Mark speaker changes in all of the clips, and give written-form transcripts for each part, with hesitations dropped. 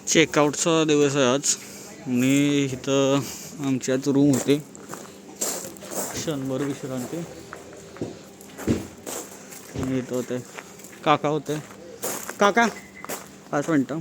Speaker 1: चेकआउटचा दिवस आहे आज आणि इथं आमच्यात रूम होते, क्षणभर विश्रांती. इथं होते काका होते. काका 5 मिनटं,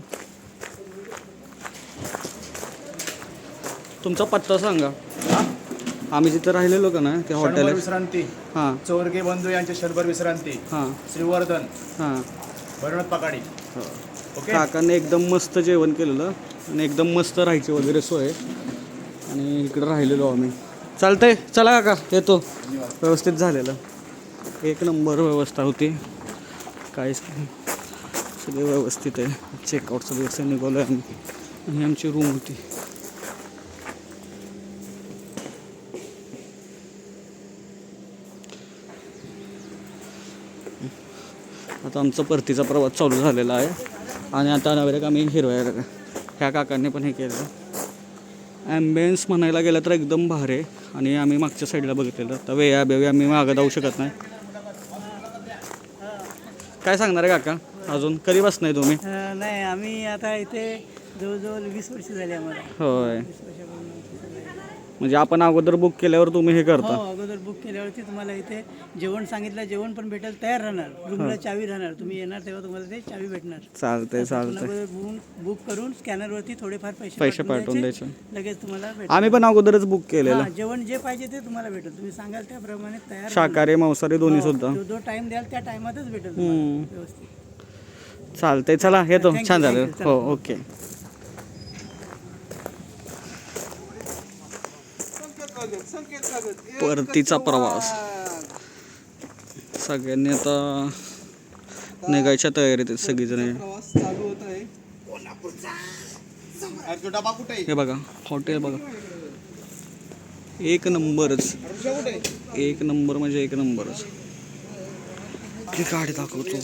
Speaker 1: तुमचा पत्ता सांगा. आम्ही जिथं राहिलेलो का ना ते हॉटेल
Speaker 2: विश्रांती.
Speaker 1: हां
Speaker 2: चोरगे बंधू यांचे क्षणभर विश्रांती.
Speaker 1: हां
Speaker 2: श्रीवर्धन
Speaker 1: हां
Speaker 2: भरणत पकाडी. ओके.
Speaker 1: काकाने एकदम मस्त जेवण केलेलं आणि एकदम मस्त राहायची वगैरे सोय आणि इकडं राहिलेलो आम्ही. चालतंय, चला काका येतो. व्यवस्थित झालेलं, एक नंबर व्यवस्था होती, काहीच नाही, सगळे व्यवस्थित आहे. चेकआउटचा दिवस निघालो आहे आम्ही आणि आमची रूम होती. आता आमचा परतीचा प्रवास चालू झालेला आहे आणि आता नव्हे आम्ही हिरव्या ह्या काकांनी पण हे केलं. ॲम्बियन्स म्हणायला गेलं तर एकदम भारी आहे आणि आम्ही मागच्या साईडला बघितलेलं. तर वेया बेवे आम्ही मागं जाऊ शकत नाही. काय सांगणार आहे काका, अजून कधी बसणार तुम्ही?
Speaker 3: नाही, आम्ही आता इथे जवळजवळ 20 वर्ष झाली आम्हाला.
Speaker 1: होय, म्हणजे आपण अगोदर बुक केल्यावर तुम्ही हे करता?
Speaker 3: हो, अगोदर बुक केल्यावरती तुम्हाला इथे जेवण सांगितलं, जेवण पण भेटेल, तयार राहणार, रूमला चावी राहणार. तुम्ही येणार तेव्हा तुम्हाला ते चावी भेटणार.
Speaker 1: चालतंय
Speaker 3: बुक करून स्कॅनरवरती थोडेफार
Speaker 1: पैसे पाठवून द्यायचे,
Speaker 3: लगेच तुम्हाला भेटेल.
Speaker 1: आम्ही पण अगोदरच बुक केलेलं.
Speaker 3: जेवण जे पाहिजे ते तुम्हाला भेटेल, तुम्ही सांगाल त्याप्रमाणे तयार.
Speaker 1: शाकाहारी मांसाहारी दोन्ही सुद्धा.
Speaker 3: जो टाइम द्याल त्या टाइमातच भेटेल व्यवस्थित.
Speaker 1: चालतंय, चला येतो. छान झालं. हो, ओके. परतीचा प्रवास, सगळ्यांनी आता निघायच्या तयारीत आहेत सगळीजण. हे बघा हॉटेल बघा, एक नंबरच, एक नंबर म्हणजे एक नंबरच. ही गाडी दाखवतो.